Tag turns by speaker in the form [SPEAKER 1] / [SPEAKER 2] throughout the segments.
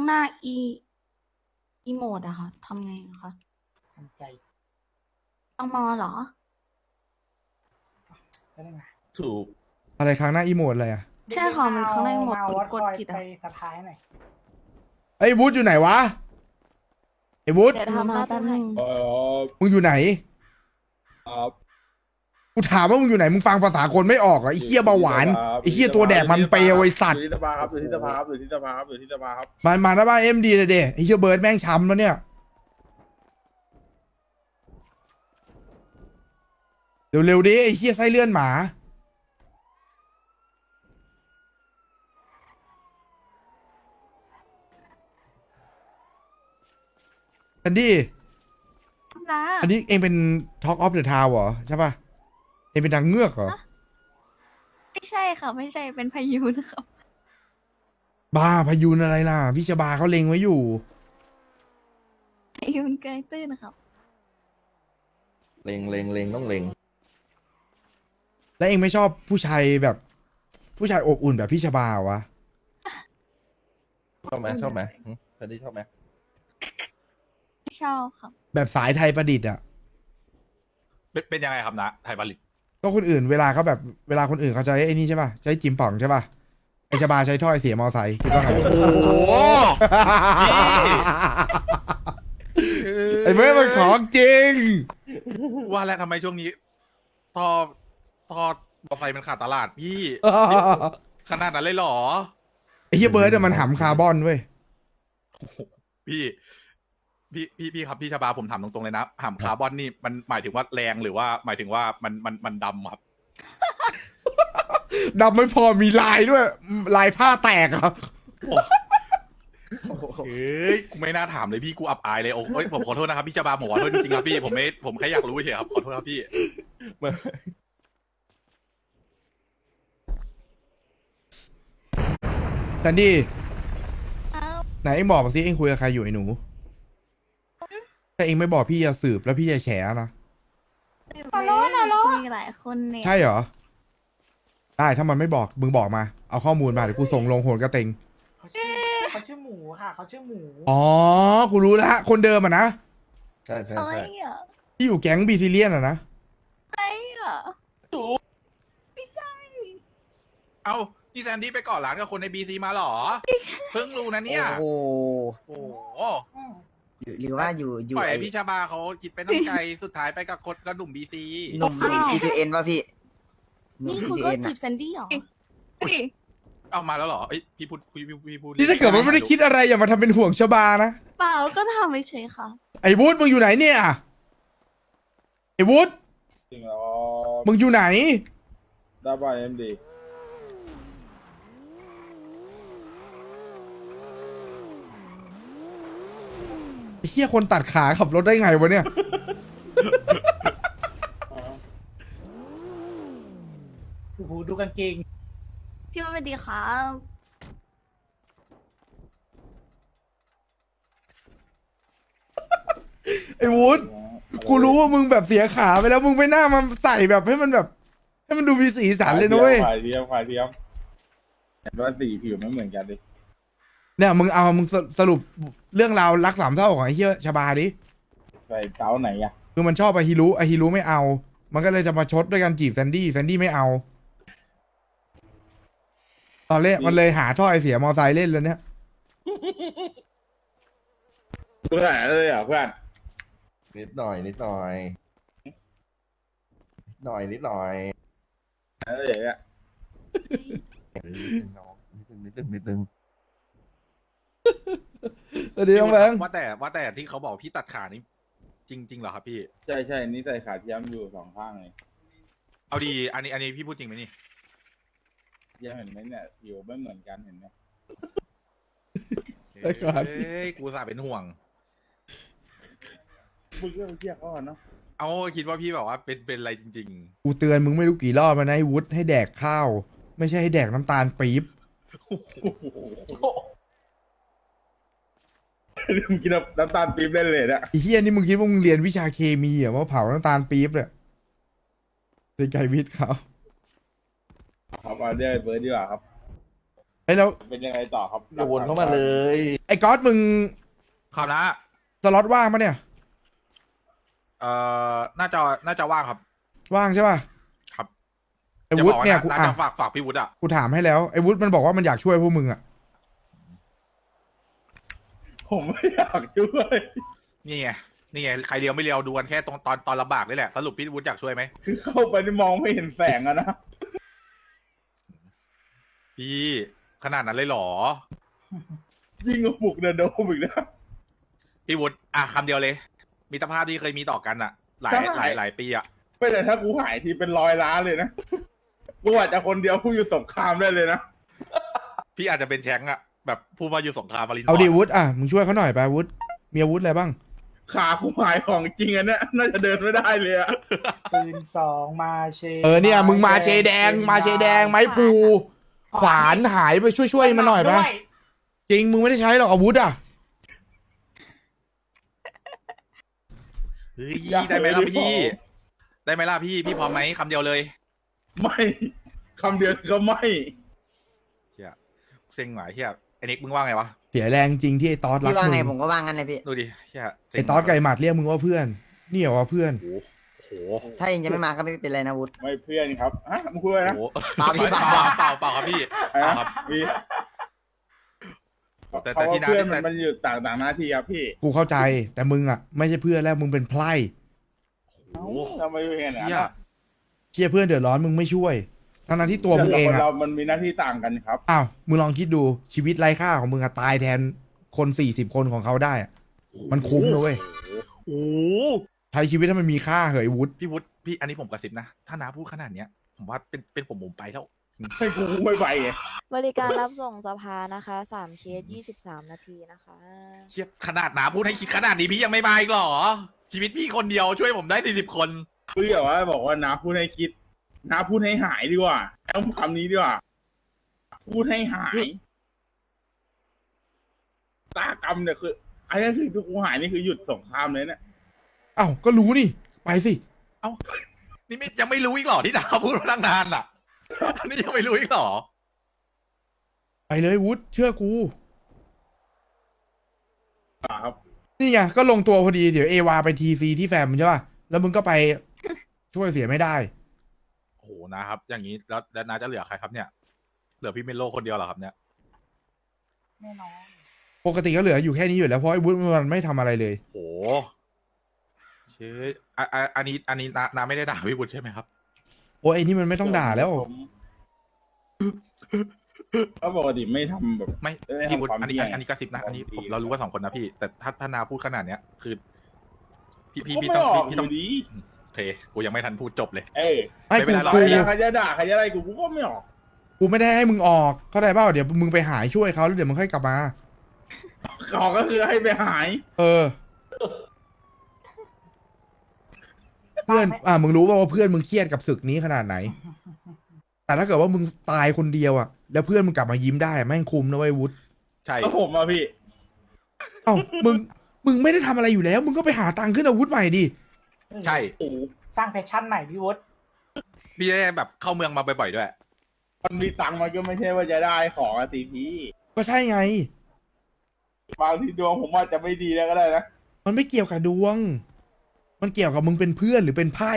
[SPEAKER 1] หน้าอีโมดอะค่ะทำไงอะคะ
[SPEAKER 2] ทำใจ
[SPEAKER 1] ต้องมอเหรอ
[SPEAKER 2] ก็ได้ไง
[SPEAKER 3] ถูก
[SPEAKER 4] อะไรครั้งหน้าอีโมดอะไรอ่ะ
[SPEAKER 1] ใช่ค่ะมันข้างในหมด
[SPEAKER 2] มาวัด
[SPEAKER 1] ก
[SPEAKER 2] ค
[SPEAKER 1] ด
[SPEAKER 2] อย
[SPEAKER 1] ผิด
[SPEAKER 2] ไป
[SPEAKER 1] อะ
[SPEAKER 2] สะพายหน่อย
[SPEAKER 4] ไอ้วุฒอยู่ไหนวะไอ้วุฒ
[SPEAKER 1] เดี๋ยวทำมาแป๊บนึง
[SPEAKER 4] มึงอยู่ไหน
[SPEAKER 3] ครับ
[SPEAKER 4] กูถามว่ามึงอยู่ไหนมึงฟังภาษาคนไม่ออกเหรอไอ้เหี้ยเบาหวานไอ้เหี้ยตัวแดกมันเปรี้ยวไอ้สัตว์
[SPEAKER 3] อยู่ที่สภาครับอยู่ที่สภาครับอยู่ที่สภาครับอยู่ที่สภาครับ
[SPEAKER 4] มาหน้าบ้านเอ็มดีเลยเด้ไอ้เหี้ยเบิร์ดแม่งช้ำแล้วเนี่ยเร็วๆดิไอ้เหี้ยไส้เลื่อนหมาอันดี้
[SPEAKER 1] นะ
[SPEAKER 4] อันนี้เองเป็น Talk of the Town เหรอใช่ป่ะเองเป็นนางเงือกเหรอ
[SPEAKER 1] ไม่ใช่ค่ะ ไม่ใช่เป็นพายุนะครับ
[SPEAKER 4] บ้าพายุนอะไรล่ะพี่ชบาเขาเล็งไว้อยู่
[SPEAKER 1] พายุเกยตื้นนะครับ
[SPEAKER 3] เล็งต้องเล็ง
[SPEAKER 4] แล้วเองไม่ชอบผู้ชายแบบผู้ชายอบอุ่นแบบพี่ชบาเหรอวะ
[SPEAKER 3] ชอบไหมชอบไหมแคนดี้ชอบไหม
[SPEAKER 1] ไม่ชอบครับ
[SPEAKER 4] แบบสายไทยประดิษฐ์อ่ะ
[SPEAKER 5] เป็นยังไงครับนะไทยผลิต
[SPEAKER 4] ก็คนอื่นเวลาเขาแบบเวลาคนอื่นเขาใช้ไอ้นี่ใช่ป่ะใช้จิมป่องใช่ป่ะไอชบาใช้ถ้อยเสียมอไซค์คิดว่าไง
[SPEAKER 5] โอ้โห
[SPEAKER 4] ไอ้เมื่อมันของจริง
[SPEAKER 5] ว่าแล้วทำไมช่วงนี้ทอทอมอไซค์มันขาดตลาดพี่ขนาดนั้นเลยเหรอ
[SPEAKER 4] ไอ้เฮียเบิร์ดอะมันหำคาร์บอนเว้ย
[SPEAKER 5] พี่ครับพี่ชบาผมถามตรงๆเลยนะหำคาร์บอนนี่มันหมายถึงว่าแรงหรือว่าหมายถึงว่ามันดำครับ
[SPEAKER 4] ดำไม่พอมีลายด้วย ลายผ้าแตกเหรอ
[SPEAKER 5] เฮ้ยกูไม่น่าถามเลยพี่กูอับอายเลยโอ้ยผมขอโทษนะครับพี่ชบาผมขอโทษจริงๆครับพี่ผมแค่อยากรู้เฉยครับขอโทษครับพี่
[SPEAKER 4] แซนดี้
[SPEAKER 1] อ้าว
[SPEAKER 4] ไหนเอ็งบอกมาสิเอ็งคุยกับใครอยู่ไอ้หนูถ้าเอ็งไม่บอกพี่จะสืบแล้วพี่จะแฉนะ
[SPEAKER 1] ฮัลโหลคุยหลายคนเนี่ย
[SPEAKER 4] ใช่เหรอ ได้ถ้ามันไม่บอกมึงบอกมา เอาข้อมูลมาเดี๋ยวกูส่งลงโหนกระเตง
[SPEAKER 2] เขาชื่อหมูค่ะ เขาชื่อหมู
[SPEAKER 4] อ๋อ กูรู้แล้วคนเดิมอ่ะนะ
[SPEAKER 3] ใช่ใช่
[SPEAKER 1] อะไร
[SPEAKER 3] ใช่
[SPEAKER 1] อ่ะ
[SPEAKER 4] ที่อยู่แก๊งบีซิเลียนอ่ะนะ
[SPEAKER 1] อะไรอ่ะไม่ใช่
[SPEAKER 5] เอ้านี่แซนดี้ไปก่อร้านกับคนในบีซีมาเหรอเพิ่งรู้นะเนี่ย
[SPEAKER 6] โอ้โห
[SPEAKER 5] โอ้โห
[SPEAKER 6] หรือว่าอยู่
[SPEAKER 5] ปล่อย
[SPEAKER 6] ไอ้
[SPEAKER 5] ให้พี่ชาบาเขาคิดไปตั้งไกล สุดท้ายไปกับคนกระดุ่มบีซี
[SPEAKER 6] หนุ่ม CTN ป่ะพี่หนุ่
[SPEAKER 1] นี่
[SPEAKER 6] ม
[SPEAKER 1] คุณก็
[SPEAKER 6] CTN
[SPEAKER 1] จี
[SPEAKER 6] อะ
[SPEAKER 1] บแซนดี้เหรอ
[SPEAKER 5] เอามาแล้วเหรอเอ้ยพี่พูด
[SPEAKER 4] นี่ถ้าเกิดมันไม่ได้คิดอะไรอย่ามาทำเป็นห่วงชบานะ
[SPEAKER 1] เปล่าก็ทำไปเฉยๆค่ะ
[SPEAKER 4] ไอ้วุฒิมึงอยู่ไหนเนี่ย ไอ้วุฒิ
[SPEAKER 3] จริงเหรอ
[SPEAKER 4] มึงอยู่ไหน
[SPEAKER 3] ได้บ้านเอ็มดี
[SPEAKER 4] ไอ้เหี้ยคนตัดขาขับรถได้ไงวะเนี่ย
[SPEAKER 2] โอ้โหดูกางเกง
[SPEAKER 1] พี่ว่าสวัสดีครับ
[SPEAKER 4] ไอ้วุฒิกูรู้ว่ามึงแบบเสียขาไปแล้วมึงไปหน้ามาใส่แบบให้มันแบบ ให้มันดูมีสีสันเลยนะเว้ย
[SPEAKER 3] ขายเทียมเห็นว่าสีผิวไม่เหมือนกันดิ
[SPEAKER 4] เนี่ยมึงเอามึงสรุปเรื่องราวรักสามเศร้าของไอ้เหี้ยชบาดิ
[SPEAKER 3] ใส่เต้าไหนอะ
[SPEAKER 4] คือมันชอบไอฮิรุไม่เอา มันก็เลยจะมาชดด้วยการจีบแซนดี้ไม่เอา ตอนแรกมันเลยหาท่อไอเสียมอไซค์เล่นเลยเนี่ย
[SPEAKER 3] เพื่อนเลยอ่ะเพื่อน
[SPEAKER 7] นิดหน่อยนิดหน่อยนิดหน่อย
[SPEAKER 3] อะไรอย่างเงี้ย
[SPEAKER 7] น้องนิดนึง
[SPEAKER 4] สวัสดีน้องแบงค์
[SPEAKER 5] ว่าแต่ที่เขาบอกพี่ตัดขานี่จริงเหรอครับพี่
[SPEAKER 3] ใช่นี่ใส่ขาเทียมอยู่สองข้างเลย
[SPEAKER 5] เอาดีอันนี้พี่พูดจริงไหมนี่
[SPEAKER 3] เทียมเห็นไหมเนี่ยผิวไม่เหมือนกันเห็นไหม
[SPEAKER 4] แต่ขา
[SPEAKER 5] เฮ้ยกูสาเป็นห่วง
[SPEAKER 3] พูดเรื่องเทียบเขาก่อนเนาะ
[SPEAKER 5] เอาคิดว่าพี่แบบว่าเป็นอะไรจริง
[SPEAKER 4] กูเตือนมึงไม่รู้กี่รอบแล้วนะไอ้วุฒิให้แดกข้าว ไม่ใช่ให้แดกน้ำตาลปี๊บ
[SPEAKER 3] มึงกินน้ำตาลปี๊บเล่นเลยนะ
[SPEAKER 4] ไอ้เฮียนี่มึงคิดว่ามึงเรียนวิชาเคมีเหรอว่าเผาน้ำตาลปี๊บเนี่ยเป็นไกรวิทย์เขา
[SPEAKER 3] ครับเอาเรื่องไอ้เบิร์ดดีกว่าครับ
[SPEAKER 4] ไอ้แล้ว
[SPEAKER 8] เป็นยังไงต่อครับ
[SPEAKER 7] อย่าวนเข้ามาเลย
[SPEAKER 4] ไอ้ก๊อตมึง
[SPEAKER 5] ครับนะ
[SPEAKER 4] สล็อตว่างปะเนี่ย
[SPEAKER 5] น่าจะว่างครับ
[SPEAKER 4] ว่างใช่ป่ะ
[SPEAKER 5] ครับ
[SPEAKER 4] ไอ้วุฒิเนี่ยกู
[SPEAKER 5] น่า
[SPEAKER 4] อ่ะ
[SPEAKER 5] จะฝากพี่วุฒิอ่ะ
[SPEAKER 4] กูถามให้แล้วไอ้วุฒิมันบอกว่ามันอยากช่วยพวกมึงอ่ะ
[SPEAKER 8] ผมไม่อยากช่วย
[SPEAKER 5] นี่ไงใครเลียวไม่เลียวดูกันแค่ตอนลำบากนี่แหละสรุปพี่วุฒิอยากช่วยไหม
[SPEAKER 8] คือเข้าไปนี่มองไม่เห็นแสงอะนะ
[SPEAKER 5] พี่ขนาดนั้นเลยเหรอ
[SPEAKER 8] ยิ่งกว่าปลุกเดอะโดมอีกนะ
[SPEAKER 5] พี่วุฒิอ่ะคำเดียวเลยมิตรภาพที่เคยมีต่อกันอ่ะ หลายปีอ่ะ
[SPEAKER 8] ไม่แต่ถ้ากูหายทีเป็น100 ล้านเลยนะกูอาจจะคนเดียวผู้อยู่สงครามได้เลยนะ
[SPEAKER 5] พี่อาจจะเป็นแชงค์อ่ะแบบผู้มาอยู่สงครามมาริน
[SPEAKER 4] เอาดิวุฒิอ่ะมึงช่วยเขาหน่อยไปวุฒิมีอาวุธอะไรบ้าง
[SPEAKER 8] ขากูหายของจริงอันเนี้ยน่าจะเดินไม่ได้เลยอะ
[SPEAKER 2] ปืน2มาเช
[SPEAKER 4] เนี่ยมึงมาเชแดงมาเชแดงไม้พลูขวานหายไปช่วยมาหน่อยปะ
[SPEAKER 2] ด้วย
[SPEAKER 4] จริงมึงไม่ได้ใช้หรอกอาวุธอ่ะ
[SPEAKER 5] เฮ้ยได้ไหมล่ะพี่ได้ไหมล่ะพี่พร้อมไหมคำเดียวเลย
[SPEAKER 8] ไม่คำเดียวก็ไม่
[SPEAKER 5] เฮียเซ็งหวายเฮียไอ้นิกมึงว่าไงวะ
[SPEAKER 4] เสียแรงจริงที่ไอ้ตอสรัก
[SPEAKER 6] พี่ว่าไงผ
[SPEAKER 4] มึ
[SPEAKER 6] ม
[SPEAKER 4] ง
[SPEAKER 6] ก็ว่างั้นเลยพี่
[SPEAKER 5] ดูดิเฮียเซ็ง
[SPEAKER 4] ไอ้ตอสไก่หมัดเรียกมึงว่าเพื่อนนี่เหรอว่าเพื่อน
[SPEAKER 5] โอ้โห
[SPEAKER 6] ถ้าเองจะไม่มาก็ไม่เป็นไรนะวุฒิ
[SPEAKER 8] ไม่เพื่อนครับฮะมึงพูดอะไรนะ
[SPEAKER 5] โอ้โห
[SPEAKER 6] เปล่าพี่
[SPEAKER 5] เป
[SPEAKER 6] เปล่า
[SPEAKER 5] ล่าครับพี่
[SPEAKER 8] อะไร
[SPEAKER 5] เปล่า
[SPEAKER 8] นะครับ มี
[SPEAKER 5] แต่
[SPEAKER 8] เขา
[SPEAKER 5] ที่
[SPEAKER 8] ว่า
[SPEAKER 5] น้า
[SPEAKER 8] เพื่อน
[SPEAKER 5] แต่
[SPEAKER 8] มันอยู่ต่างหน้าที่ครับพี่
[SPEAKER 4] กูเข้าใจแต่มึงอ่ะไม่ใช่เพื่อนแล้วมึงเป็นไพร่
[SPEAKER 8] เอ้าทำไมเป็นอย่างนั้น
[SPEAKER 5] เฮีย
[SPEAKER 8] อะ
[SPEAKER 4] เชี่ยเพื่อนเดือดร้อนมึงไม่ช่วยทั้งที่ตัวมึงเอง
[SPEAKER 8] คน
[SPEAKER 4] อ่ะ
[SPEAKER 8] เรามันมีหน้าที่ต่างกันครับ
[SPEAKER 4] อ้าวมึงลองคิดดูชีวิตไร้ค่าของมึงอะตายแทนคน40 คนของเขาได้อะมันคุ้มนะเว้ย
[SPEAKER 5] โอ้โห
[SPEAKER 4] ใช้ชีวิตให้มันมีค่าเหยวุฒิ
[SPEAKER 5] พี่วุฒิพี่อันนี้ผมกระซิบนะถ้าน้าพูดขนาดเนี้ยผมว่าเป็นผมไปแล้ว
[SPEAKER 8] ให้กูไม่ไปไง
[SPEAKER 9] บริการรับส่งสภานะคะ3 เคส 23 นาทีนะคะ
[SPEAKER 5] เทียบขนาดน้าพูดให้คิดขนาดนี้พี่ยังไม่มาอีกเหรอ ชีวิตพี่คนเดียวช่วยผมได้40 คน
[SPEAKER 8] คืออย่าว่าบอกว่าน้าพูดให้คิดน้าพูดให้หายดีกว่าต้องคำนี้ดีกว่า พูดให้หายตากรรมเนี่ยคือไอ้นี่คือทุกกูหายนี่คือหยุดสงครามเลยเนี่ย
[SPEAKER 4] อ้าวก็รู้นี่ไปสิ
[SPEAKER 5] นี่ไม่ยังไม่รู้อีกเหรอที่น้าพูดมาตั้งนานอ่ะ อันนี้ยังไม่รู้อีกเหรอ
[SPEAKER 4] ไปเลยวุฒิเชื่อกู
[SPEAKER 8] ครับ
[SPEAKER 4] นี่ไงก็ลงตัวพอดีเดี๋ยวเอวาไปทีซีที่แฟมใช่ป่ะแล้วมึงก็ไปช่วยเสียไม่ได้
[SPEAKER 5] โอ้โหนะครับ อย่างนี้แล้วน้าจะเหลือใครครับเนี่ย เหลือพี่เมโลคนเดียวเหรอครับเนี่ย
[SPEAKER 2] แน่นอน
[SPEAKER 4] ปกติก็เหลืออยู่แค่นี้อยู่แล้วเพราะไอ้วุฒิมันไม่ทำอะไรเลย
[SPEAKER 5] โอ้โหเชื่ออันนี้น้าไม่ได้ด่าพี่บุญใช่ไหมครับ
[SPEAKER 4] โอ้ยไอ้นี่มันไม่ต้องด่าแล้ว
[SPEAKER 8] ก็ปกติไม่ทำแบบ
[SPEAKER 5] ไม่
[SPEAKER 8] เอ้ย
[SPEAKER 5] พี่บุญ
[SPEAKER 8] ความ
[SPEAKER 5] อันนี้
[SPEAKER 8] เที่ยง
[SPEAKER 5] อันนี้กระซิบนะอันนี้
[SPEAKER 8] ความดี
[SPEAKER 5] เรารู้ว่า2 คนนะพี่ แต่ถ้านาพูดขนาดเนี้ยคือ
[SPEAKER 8] ก็
[SPEAKER 5] พี่
[SPEAKER 8] ไม่
[SPEAKER 5] ต้อง
[SPEAKER 8] ออก
[SPEAKER 5] พี่
[SPEAKER 8] อ
[SPEAKER 5] ต้อง
[SPEAKER 8] ยู่ดี
[SPEAKER 5] โอเคกูยังไม่ทันพูดจบเลย
[SPEAKER 8] เอ้ย
[SPEAKER 4] ไอ้
[SPEAKER 5] ไม่เป็
[SPEAKER 4] กู
[SPEAKER 5] นไรหรอก
[SPEAKER 4] กู
[SPEAKER 8] ใครจะด่าใครจะอะไรกูก็ไม่ออก
[SPEAKER 4] กูไม่ได้ให้มึงออกเข้าใจเปล่าเดี๋ยวมึงไปหายช่วยเขาแล้วเดี๋ยวมึงค่อยกลับมา
[SPEAKER 8] ขอก็คือให้ไปหาย
[SPEAKER 4] เออ เพื่อนมึงรู้ป่าวว่าเพื่อนมึงเครียดกับศึกนี้ขนาดไหน แต่ถ้าเกิดว่ามึงตายคนเดียวอ่ะแล้วเพื่อนมึงกลับมายิ้มได้อะแม่งคุ้มนะเว้ยวุฒิ
[SPEAKER 5] ใช่
[SPEAKER 8] ก็ผมอะพี่
[SPEAKER 4] เอ้ามึงไม่ได้ทำอะไรอยู่แล้ว มึงก็ไปหาตังค์ขึ้นอาวุธใหม่ดิ
[SPEAKER 5] ใช่
[SPEAKER 8] โอ้โห
[SPEAKER 2] สร้างแพชชั่นใหม่พี่วุฒิ
[SPEAKER 5] พี่ได้แบบเข้าเมืองมาบ่อยๆด้วย
[SPEAKER 8] มันมีตังค์มันก็ไม่ใช่ว่าจะได้ของอะสิพี่
[SPEAKER 4] ก็ใช่ไง
[SPEAKER 8] บางทีดวงผมว่าจะไม่ดีแล้วก็ได้นะ
[SPEAKER 4] มันไม่เกี่ยวกับดวง มันเกี่ยวกับมึงเป็นเพื่อนหรือเป็นไพ่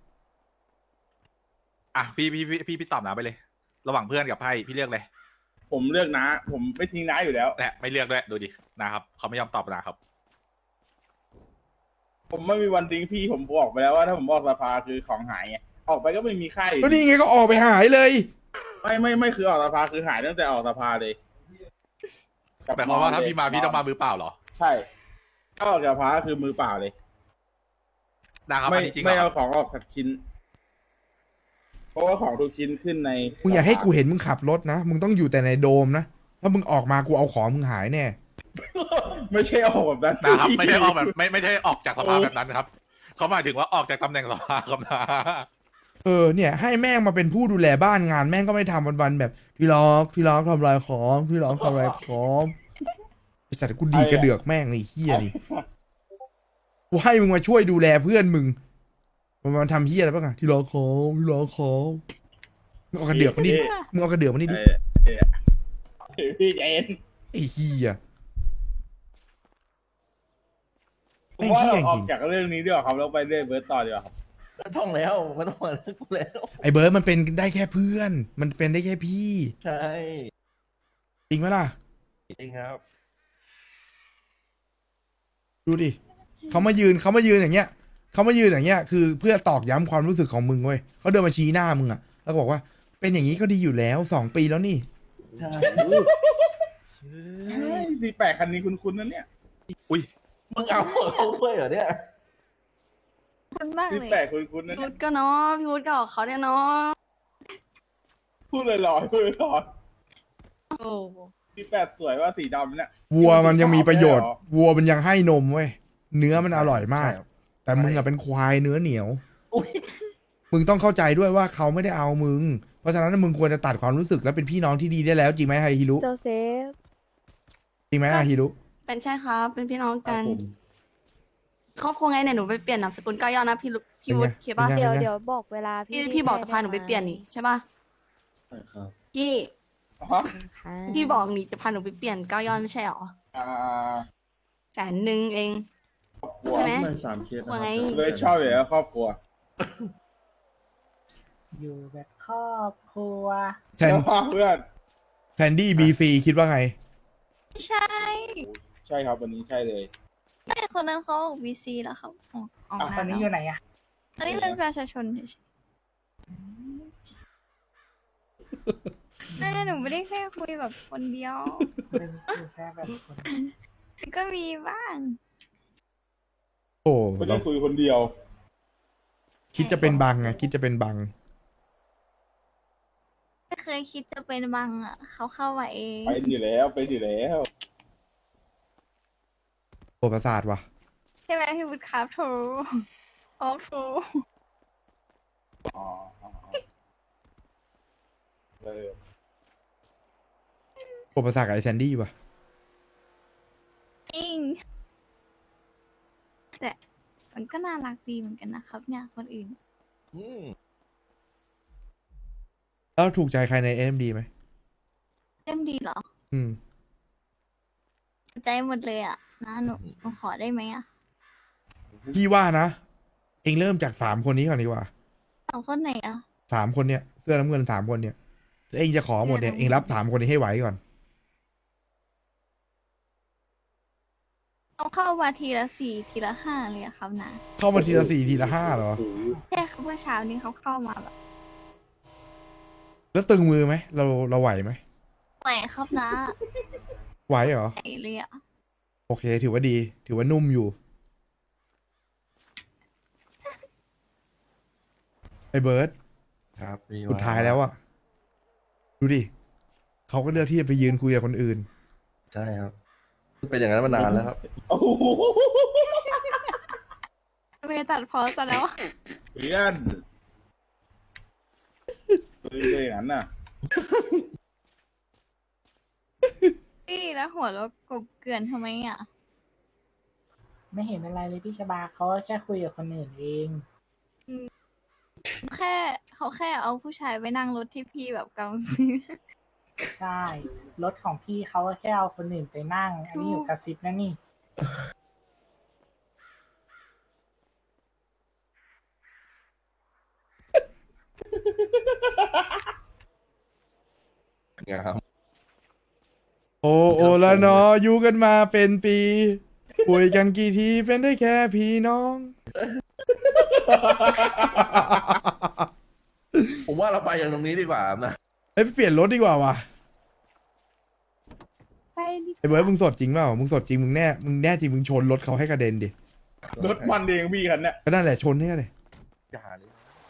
[SPEAKER 5] อ่ะพี่ตอบน้าไปเลย ระหว่างเพื่อนกับไพ่พี่เลือกเลย
[SPEAKER 8] ผมเลือกนะ ผมไม่ทิ้งน้าอยู่แล้ว
[SPEAKER 5] แต่ไม่เลือกด้วยดูดินะครับเขาไม่ยอมตอบนะครับ
[SPEAKER 8] ผมไม่มีวันทิ้งพี่ผมบอกไปแล้วว่าถ้าผมออกสภาคือของหายไงออกไปก็ไม่มีค่าอยู่
[SPEAKER 4] ก็นี่ไงก็ออกไปหายเลย
[SPEAKER 8] ไม่คือออกสภาคือหายตั้งแต่ออกสภาเลย
[SPEAKER 5] หมายความว่าถ้าพี่มาพี่ต้องมามือเปล่าเหรอ
[SPEAKER 8] ใช่ถ้าออกจากสภาคือมือเปล่าเลย
[SPEAKER 5] นะครับ
[SPEAKER 8] ไม่
[SPEAKER 5] อันนี้จริงเหร
[SPEAKER 8] ไม่
[SPEAKER 5] อ
[SPEAKER 8] เอาของออกสักชิ้น เพราะว่าของทุกชิ้นขึ้นใน
[SPEAKER 4] มึงอย่าให้กูเห็นมึงขับรถนะ มึงต้องอยู่แต่ในโดมนะ ถ้ามึงออกมากูเอาของมึงหายแน่
[SPEAKER 8] ไม่ใช่ออกแบบนั้น
[SPEAKER 5] นะครับไม่ใช่ออกแบบไม่ใช่ออกจากสภาแบบนั้นครับเขาหมายถึงว่าออกจากตำแหน่งสภาครับนะ
[SPEAKER 4] เนี่ยให้แม่งมาเป็นผู้ดูแลบ้านงานแม่งก็ไม่ทำวันๆแบบพี่ล็อกทำลายของพี่ล็อกทำลายของไอสัตว์กูดีกระเดือกแม่งไอ้เหี้ยนี่กูให้มึงมาช่วยดูแลเพื่อนมึงมันทำเหี้ยอะไรบ้างอะที่ล็อกของมึงเอากระเดือกมานี่ดิมึงเอากระเดือกมานี่ดิ
[SPEAKER 8] เออพี่ใจเย็น
[SPEAKER 4] ไอ้เหี้ย
[SPEAKER 8] ผมว่าเราออกจากเรื่องนี้ดีกว่าครับเราไปเรื่อยเบิร์ดต่อดีกว่าครับ
[SPEAKER 7] ไม่ต้องแล้วไม่ต้องมาเรื่องกูแล้ว
[SPEAKER 4] ไอ้เบิร์ดมันเป็นได้แค่เพื่อน มันเป็นได้แค่พี่
[SPEAKER 7] ใช่
[SPEAKER 4] จริงไหมล่ะ
[SPEAKER 7] จริงครับ
[SPEAKER 4] ดูดิเขามายืนอย่างเงี้ยเขามายืนอย่างเงี้ยคือเพื่อตอกย้ำความรู้สึกของมึงเว้ยเขาเดินมาชี้หน้ามึงอะแล้วก็บอกว่าเป็นอย่างนี้ก็ดีอยู่แล้ว2 ปีแล้วนี่
[SPEAKER 7] ใช่
[SPEAKER 8] ดีแปลกคันนี้คุ้นๆนะเนี่ย
[SPEAKER 5] อุ้ย
[SPEAKER 7] มึงเอาเขาด้วยเหรอเนี่ย
[SPEAKER 9] คุณมาก
[SPEAKER 8] ดี
[SPEAKER 9] เลย
[SPEAKER 8] แปลกคุ้นๆนะ
[SPEAKER 1] พี่
[SPEAKER 8] เนี่
[SPEAKER 1] วุ
[SPEAKER 8] ย
[SPEAKER 1] ฒิก็เนาะพี่วุฒิก็ออกเขาเนี่ยเนาะ
[SPEAKER 8] พูดลอยๆพูดลอย
[SPEAKER 1] โอ้
[SPEAKER 8] ๆดีแปลกสวยว่าสีดำเนี่ย
[SPEAKER 4] วัวมันยังมีประโยชน์ วัวมันยังให้นมเว้ยเนื้อมันอร่อยมาก
[SPEAKER 7] ใช่ครับ
[SPEAKER 4] แต่มึงอะเป็นควายเนื้อเหนียว
[SPEAKER 7] อุ้ย
[SPEAKER 4] มึงต้องเข้าใจด้วยว่าเขาไม่ได้เอามึง เพราะฉะนั้นมึงควรจะตัดความรู้สึกและเป็นพี่น้องที่ดีได้แล้วจริงไหมไฮฮิรุ
[SPEAKER 9] โจเซฟ
[SPEAKER 4] จริงไหมไฮฮิรุ
[SPEAKER 1] เป็นใช่ครับ เป็นพี่น้องกัน ครอบครัวไงเนี่ยหนูไปเปลี่ยนนามสกุล9 ยอดนะพี่วุฒิคิดป่ะ
[SPEAKER 4] เป็นไง
[SPEAKER 9] เดี๋ยวบอกเวลาพี่
[SPEAKER 1] พี่บอกจะพาหนูไปเปลี่ยนนี่ใช่ป่ะพี่
[SPEAKER 8] ฮะ
[SPEAKER 9] ค่ะ
[SPEAKER 1] พี่บอกนี่จะพาหนูไปเปลี่ยน9 ยอดไม่ใช่หรอ 100,000เอง
[SPEAKER 8] ครอบครัว
[SPEAKER 1] ใช่ไหม
[SPEAKER 8] ไม่
[SPEAKER 1] ว่าไง
[SPEAKER 8] เลยชอบอยู่แล้วครอบครัว
[SPEAKER 2] อยู่แบบครอบครัว
[SPEAKER 4] แทน
[SPEAKER 8] แล้วพาเพื่อน
[SPEAKER 4] แทนดี้บีซีคิดว่าไง
[SPEAKER 10] ไม่ใช่
[SPEAKER 8] ใช่ครับวันนี้ใช่เลย
[SPEAKER 10] แต่คนนั้นเขาออก VC แล้วครับออก
[SPEAKER 2] อ่ะ
[SPEAKER 10] นา
[SPEAKER 2] คน
[SPEAKER 10] น
[SPEAKER 2] นี้อ
[SPEAKER 10] แล้ว
[SPEAKER 2] ยู่ไหนอะ
[SPEAKER 10] อันนี้เป็นประชาชนเฉยๆแม่หนูไม่ได้แค่คุยแบบคนเดียว
[SPEAKER 2] เป็นแค่แบบคน
[SPEAKER 10] ก็มีบ้าง
[SPEAKER 4] โอ้
[SPEAKER 8] ไม่
[SPEAKER 4] เรา
[SPEAKER 8] ได้คุยคนเดียว
[SPEAKER 4] คิดจะเป็นบังไงคิดจะเป็นบัง
[SPEAKER 10] ไม่เคยคิดจะเป็นบังอ่ะเขาเข้ามาเอง
[SPEAKER 8] เป็นอยู่แล้วเป็นอยู่แล้ว
[SPEAKER 4] โอ้ประสาทว่ะ
[SPEAKER 10] ใช่ไหมพี่วุฒิครับโทรออฟโทร
[SPEAKER 8] อ๋อเออ
[SPEAKER 4] โอ้ประสาทกับไอแซนดี้ว่ะ
[SPEAKER 10] จริงแต่มันก็น่ารักดีเหมือนกันนะครับ เนี่ยคนอื่น
[SPEAKER 7] อืม
[SPEAKER 4] แล้วถูกใจใครใน AMD ไหม
[SPEAKER 10] เต็มดีเหรอ
[SPEAKER 4] อืม
[SPEAKER 10] ใจหมดเลยอ่ะนะหนูขอได้ไหมอ่ะ
[SPEAKER 4] พี่ว่านะ เองเริ่มจาก3 คนนี้ก่อนดีกว่า
[SPEAKER 10] สองคนไหนอ่ะ
[SPEAKER 4] 3 คนเนี่ยเสื้อน้ำเงิน3 คนเนี่ยแล้วเองจะขอหมดเนี่ยเองรับ3 คนนี้ให้ไหวก่อน
[SPEAKER 10] เอาเข้ามาทีละ4ทีละ5เลยอะครับนะ
[SPEAKER 4] เข้ามาทีละ4ทีละ5เหรอ
[SPEAKER 10] ใช่ครับเมื่อเช้านี้เขาเข้ามาแบบ
[SPEAKER 4] แล้วตึงมือไหมเราไหวไหม
[SPEAKER 10] แหวครับนะ
[SPEAKER 4] ไหวเหรอ
[SPEAKER 10] ใหญ่เลยอะ
[SPEAKER 4] โอเค ถือว่าดี ถือว่านุ่มอยู่ ไอ้เบิร์ด
[SPEAKER 7] ครับพี่
[SPEAKER 4] สุดท้ายแล้วอะดูดิเขาก็เลือกที่จะไปยืนคุยกับคนอื่น
[SPEAKER 7] ใช่ครับเป็นอย่างนั้นมานานแล้วครับ
[SPEAKER 8] โอ้โห
[SPEAKER 10] เมย์ตัดพอซะแล้วอะ
[SPEAKER 8] เพื่อนเป็นอย่างนั้นน่ะ
[SPEAKER 10] พี่แล้วหัวเราะกบเกลื่อนทำไมอะ
[SPEAKER 2] ไม่เห็นเป็นไรเลยพี่ชบาเขาก็แค่คุยกับคนอื่นเอง
[SPEAKER 10] เขาแค่เอาผู้ชายไปนั่งรถที่พี่แบบกำลังซื้อ
[SPEAKER 2] ใช่ รถของพี่เขาก็แค่เอาคนอื่นไปนั่ง อันนี้อยู่กระซิบนะนี่
[SPEAKER 7] ครับ
[SPEAKER 4] โอละเนออยู่กันมาเป็นปีคุยกันกี่ทีเป็นได้แค่พี่น้อง
[SPEAKER 7] ผมว่าเราไปอย่างตรงนี้ดีกว่านะ
[SPEAKER 4] เฮ้ยไปเปลี่ยนรถดีกว่าว่ะ
[SPEAKER 10] ไปดิ
[SPEAKER 4] ไอ้เบิร์ดมึงสดจริงเปล่ามึงสดจริงมึงแน่จริงมึงชนรถเขาให้กระเด็นดิ
[SPEAKER 8] รถมันเองพี่คันเนี่ย
[SPEAKER 4] ก็นั่นแหละชนให้เลย
[SPEAKER 7] อย่าเลย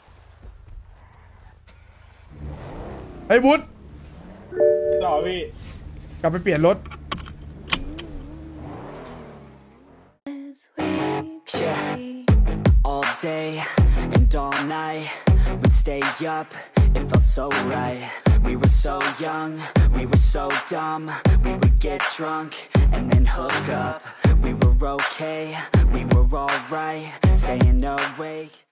[SPEAKER 4] ไอ้วุฒ
[SPEAKER 8] ต่อพี่
[SPEAKER 4] กลับไปเปลี่ยนรถ
[SPEAKER 11] Yeah, all day and all night, we'd stay up, it felt so right. We were so young, we were so dumb, we would get drunk and then hook up. We were okay, we were alright, staying awake.